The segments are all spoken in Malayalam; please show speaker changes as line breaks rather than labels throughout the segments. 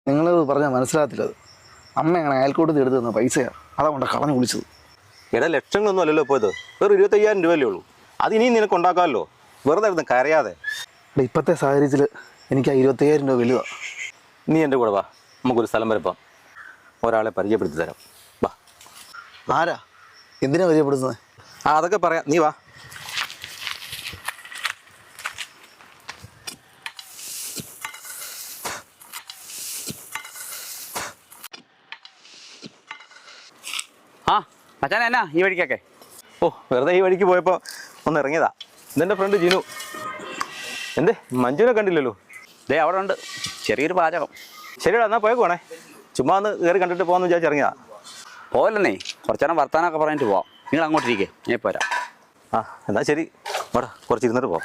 നിങ്ങൾ പറഞ്ഞാൽ മനസ്സിലാകത്തില്ലത്. അമ്മ അങ്ങനെ അയൽക്കൂട്ടത്തിൽ എടുത്ത് തന്ന പൈസയാണ്, അതുകൊണ്ട് കളഞ്ഞു വിളിച്ചത്.
എടാ ലക്ഷങ്ങളൊന്നും അല്ലല്ലോ പോയത്, വെറും 25,000 രൂപയല്ലേ ഉള്ളൂ. അത് ഇനിയും നിനക്ക് ഉണ്ടാക്കാമല്ലോ, വെറുതെ ഇരുന്ന് കരയാതെ.
ഇപ്പോഴത്തെ സാഹചര്യത്തിൽ എനിക്ക് ആ 25,000 രൂപ വലുതാണ്.
നീ എൻ്റെ കൂടെ വാ, നമുക്കൊരു സ്ഥലം വരെ പോവാം. ഒരാളെ പരിചയപ്പെടുത്തി തരാം, വാ.
ആരാ? എന്തിനാ പരിചയപ്പെടുത്തുന്നത്?
അതൊക്കെ പറയാം, നീ വാ.
മച്ചാൻ എന്നാ ഈ വഴിക്കൊക്കെ?
വെറുതെ ഈ വഴിക്ക് പോയപ്പോൾ ഒന്ന് ഇറങ്ങിയതാ. ഇതെൻ്റെ ഫ്രണ്ട് ജിനു. എന്തേ മഞ്ജുവിനെ കണ്ടില്ലല്ലോ?
ദേ അവിടെ ഉണ്ട്, ചെറിയൊരു പാചകം.
ശരിയാ, എന്നാൽ പോയേക്കുവാണേ. ചുമ്മാ ഒന്ന് കയറി കണ്ടിട്ട് പോകാമെന്ന് വിചാരിച്ചിറങ്ങിയതാ.
പോവല്ലെന്നേ, കുറച്ചേരം വർത്താനൊക്കെ പറഞ്ഞിട്ട് പോവാം. നിങ്ങൾ അങ്ങോട്ടിരിക്കേ, ഞാൻ പോരാ.
എന്നാൽ ശരി, വേടാ കുറച്ച് ഇരുന്നിട്ട് പോവാം.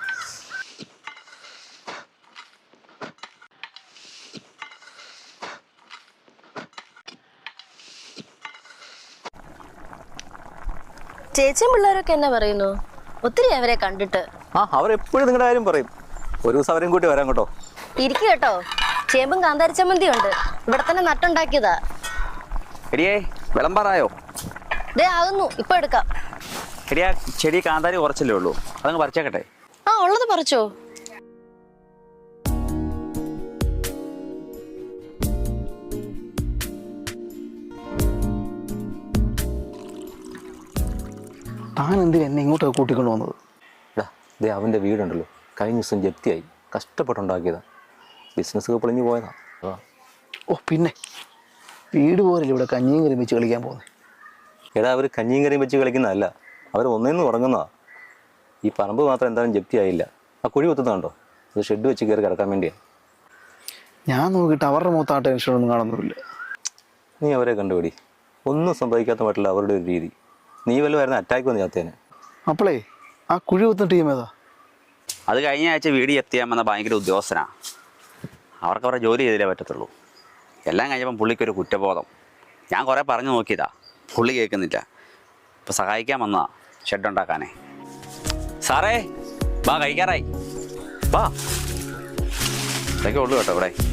ചേച്ചിയും പിള്ളേരൊക്കെ എന്നാ പറയുന്നു? ഒത്തിരി അവരെ കണ്ടിട്ട്.
അവരെപ്പോഴും നിങ്ങളുടെ കാര്യം പറയും. ഒരു ദിവസം അവരെയും കൂട്ടി വരാം കേട്ടോ.
ഇരിക്കും കേട്ടോ, ചേമ്പും കാന്താരി ചമ്മന്തിയും ഉണ്ട്, ഇവിടെ തന്നെ നട്ടുണ്ടാക്കിയതാ.
എടിയേ വിളമ്പാറായോ?
ദേ ആകുന്നു, ഇപ്പൊ എടുക്കാം.
എടിയാ ചെടി കാന്താരി കുറച്ചല്ലേ ഉള്ളൂ, അതങ്ങ് പറിച്ചേക്കട്ടെ.
ഉള്ളത് പറിച്ചോ.
താൻ എന്തിനാ എന്നെ ഇങ്ങോട്ടൊക്കെ കൂട്ടിക്കൊണ്ട് വന്നത്?
അവൻ്റെ വീടുണ്ടല്ലോ, കഴിഞ്ഞ ദിവസം ജപ്തിയായി, കഷ്ടപ്പെട്ടുണ്ടാക്കിയതാ. ബിസിനസ്സൊക്കെ പൊളിഞ്ഞു പോയതാ.
പിന്നെ വീട് പോരല്ലേ ഇവിടെ കഞ്ഞിയും കറിയും വെച്ച് കളിക്കാൻ പോകുന്നത്?
എടാ അവർ കഞ്ഞിയും കറിയും വെച്ച് കളിക്കുന്നതല്ല, അവർ ഒന്നേന്ന് തുടങ്ങുന്നതാ. ഈ പറമ്പ് മാത്രം എന്തായാലും ജപ്തിയായില്ല. ആ കുഴി കുത്തുന്നുണ്ടോ, അത് ഷെഡ് വെച്ച് കയറി കിടക്കാൻ വേണ്ടിയാണ്.
ഞാൻ നോക്കിയിട്ട് അവരുടെ മുഖത്ത് ആ ടെൻഷനൊന്നും കാണുന്നില്ല.
നീ അവരെ കണ്ടുപിടി, ഒന്നും സംഭവിക്കാത്ത മറ്റുള്ള അവരുടെ ഒരു രീതി. നീ വല്ലതുമായിരുന്നു അറ്റാക്ക് വന്ന് ചാത്തേനെ.
അപ്പോളേ ആ കുഴി കുത്തുന്ന ടീം ഏതാ?
അത് കഴിഞ്ഞ ആഴ്ച വീട് എത്തിയാമെന്ന ഭയങ്കര ഉദ്യോഗസ്ഥനാണ്. അവർക്ക് അവരുടെ ജോലി ചെയ്തില്ലേ പറ്റത്തുള്ളൂ. എല്ലാം കഴിഞ്ഞപ്പം പുള്ളിക്കൊരു കുറ്റബോധം. ഞാൻ കുറേ പറഞ്ഞു നോക്കിയതാ, പുള്ളി കേൾക്കുന്നില്ല. ഇപ്പം സഹായിക്കാൻ വന്നതാ ഷെഡ് ഉണ്ടാക്കാനേ. സാറേ വാ, കഴിക്കാറായി വാ. ഇതൊക്കെ ഉള്ളൂ കേട്ടോ ഇവിടെ.